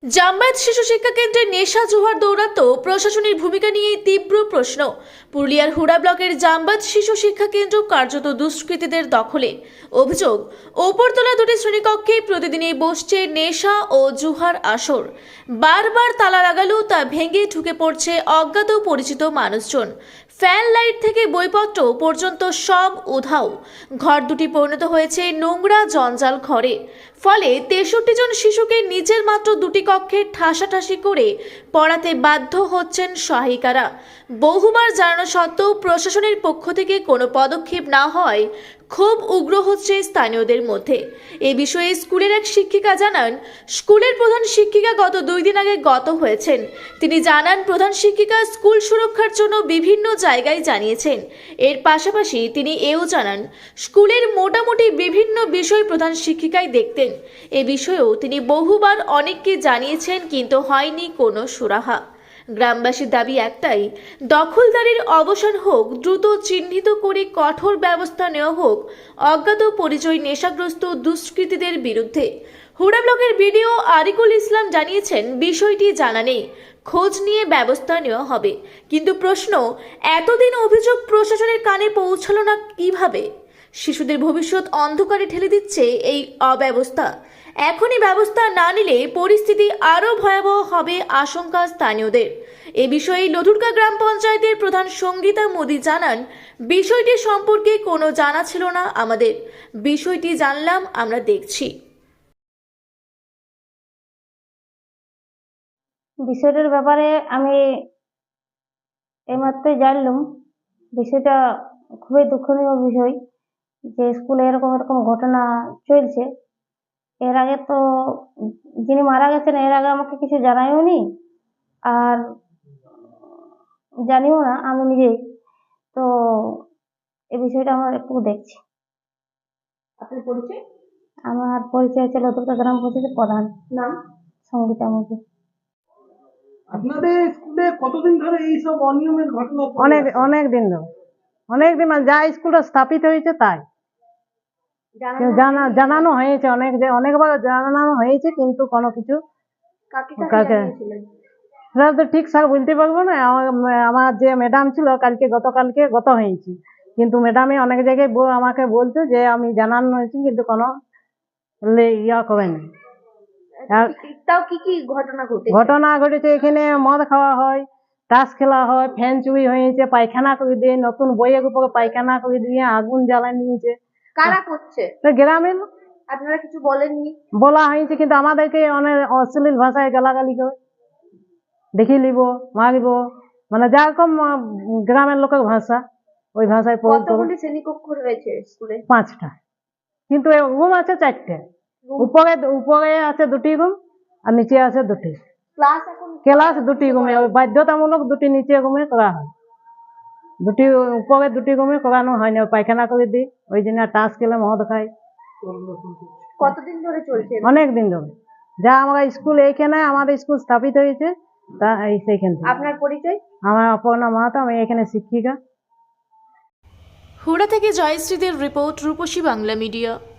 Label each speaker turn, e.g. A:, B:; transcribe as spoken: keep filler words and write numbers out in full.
A: জামায়াত শিশু শিক্ষা কেন্দ্রে নেশা জোহর দৌরাত্ম্য প্রশাসনের ভূমিকা নিয়ে তীব্র প্রশ্ন। পুরুলিয়ার হুড়া ব্লকের জামায়াত শিশু শিক্ষা কেন্দ্র কার্যত দুষ্কৃতীদের দখলে। অভিযোগ, ওপরতলা দুটি শ্রেণীকক্ষে প্রতিদিনই বসছে নেশা ও জুহার আসর। বারবার তালা লাগালেও তা ভেঙে ঢুকে পড়ছে অজ্ঞাত পরিচিত মানুষজন। ফ্যান লাইট থেকে বইপত্র পর্যন্ত সব উধাও। ঘর দুটি পরিণত হয়েছে নোংরা জঞ্জাল ঘরে। ফলে তেষট্টি জন শিশুকে নিজের মাত্র দুটি কক্ষে ঠাসাঠাসি করে পড়াতে বাধ্য হচ্ছেন সহায়িকারা। বহুবার জানানো সত্ত্বেও প্রশাসনের পক্ষ থেকে কোনো পদক্ষেপ না হয় ক্ষোভ উগ্র হচ্ছে স্থানীয়দের মধ্যে। এ বিষয়ে স্কুলের এক শিক্ষিকা জানান, স্কুলের প্রধান শিক্ষিকা গত দুই দিন আগে গত হয়েছেন। তিনি জানান, প্রধান শিক্ষিকা স্কুল সুরক্ষার জন্য বিভিন্ন জায়গায় জানিয়েছেন। এর পাশাপাশি তিনি এও জানান, স্কুলের মোটামুটি বিভিন্ন বিষয় প্রধান শিক্ষিকাই দেখতেন। এ বিষয়েও তিনি বহুবার অনেককে জানিয়েছেন, কিন্তু হয়নি কোনো সুরাহা। গ্রামবাসীর দাবি একটাই, দখলদারির অবসান হোক, দ্রুত চিহ্নিত করে কঠোর ব্যবস্থা নেওয়া হোক অজ্ঞাত পরিচয় নেশাগ্রস্ত দুষ্কৃতীদের বিরুদ্ধে। হুড়া ব্লকের বিডিও আরিকুল ইসলাম জানিয়েছেন, বিষয়টি জানা নেই, খোঁজ নিয়ে ব্যবস্থা নেওয়া হবে। কিন্তু প্রশ্ন, এতদিন অভিযোগ প্রশাসনের কানে পৌঁছালো না কিভাবে? শিশুদের ভবিষ্যৎ অন্ধকারে ঠেলে দিচ্ছে এই অব্যবস্থা। এখনই ব্যবস্থা না নিলে পরিস্থিতি আরও ভয়াবহ হবে আশঙ্কা স্থানীয়দের। এ বিষয়ে লধুরকা গ্রাম পঞ্চায়েতের প্রধান সঙ্গীতা মোদি জানান, বিষয়টি সম্পর্কে কোনো জানা ছিল না আমাদের, বিষয়টি জানলাম আমরা দেখছি।
B: বিষয়টার ব্যাপারে আমি এইমাত্রই জানলাম। বিষয়টা খুবই দুঃখনীয় বিষয় যে স্কুলে এরকম এরকম ঘটনা চলছে। এর আগে তো যিনি মারা গেছেন এর আগে আমাকে কিছু জানায়ও নি, আর জানিও না আমি নিজেই। তো এই বিষয়টা আমরা একটু দেখছি।
C: আপনার পরিচয়?
B: আমার পরিচয় হচ্ছে লতুকা গ্রাম পঞ্চায়েতের প্রধান,
C: নাম?
B: সঙ্গীতা মুখী।
C: আপনাদের স্কুলে কতদিন ধরে এইসব অনিয়মের ঘটনা?
D: অনেক অনেক দিন ধরে, অনেক দিন মানে যা স্কুলটা স্থাপিত হয়েছে তাই জানা জানানো হয়েছে, অনেক অনেকবার জানানো হয়েছে, কিন্তু কোনো কিছু কাকে সেটা তো ঠিক স্যার বলতে পারবো না। আমার যে ম্যাডাম ছিল কালকে গতকালকে গত হয়েছে, কিন্তু ম্যাডামে অনেক জায়গায় আমাকে বলতো যে আমি জানানো হয়েছি, কিন্তু কোনো ইয়া করেনি।
A: তাও কি কি ঘটনা ঘটে?
D: ঘটনা ঘটেছে, এখানে মদ খাওয়া হয়, তাস খেলা হয়, ফ্যান চুরি হয়েছে, পায়খানা করে দিয়ে নতুন বইয়ের উপরে পায়খানা করে দিয়ে আগুন জ্বালায় নিয়েছে।
A: কারা করছে?
D: গ্রামের
A: আপনারা কিছু বলেননি?
D: বলা হয়েছে, কিন্তু আমাদেরকে অনেক অশ্লীল ভাষায় গালাগালি করে, দেখি লিব, মারিব, মানে যেরকম গ্রামের লোকের ভাষা ওই ভাষায় প্রয়োগ করে।
A: কতগুলি শ্রেণীকক্ষ রয়েছে স্কুলে?
D: পাঁচটা, কিন্তু রুম আছে চারটে। উপরে উপরে আছে দুটি রুম আর নিচে আছে দুটি।
A: ক্লাস এখন
D: ক্লাস দুটি রুমে, বাধ্যতামূলক দুটি নিচে রুমে করা হয়, দুটি উপরে দুটি রুমে করানো হয় না। পায়খানা করে দিই, ওই জন্য টাস খেলে মদ খাই।
A: কতদিন ধরে চলছে?
D: অনেক দিন ধরে। যা আমরা স্কুল এইখানে আমাদের স্কুল স্থাপিত হয়েছে তা এই সেইখান থেকে।
A: আপনার পরিচয়?
D: আমার অপর্ণা মাহাতো, আমি এখানে শিক্ষিকা।
A: হুড়া থেকে জয়শ্রীদের রিপোর্ট, রূপসী বাংলা মিডিয়া।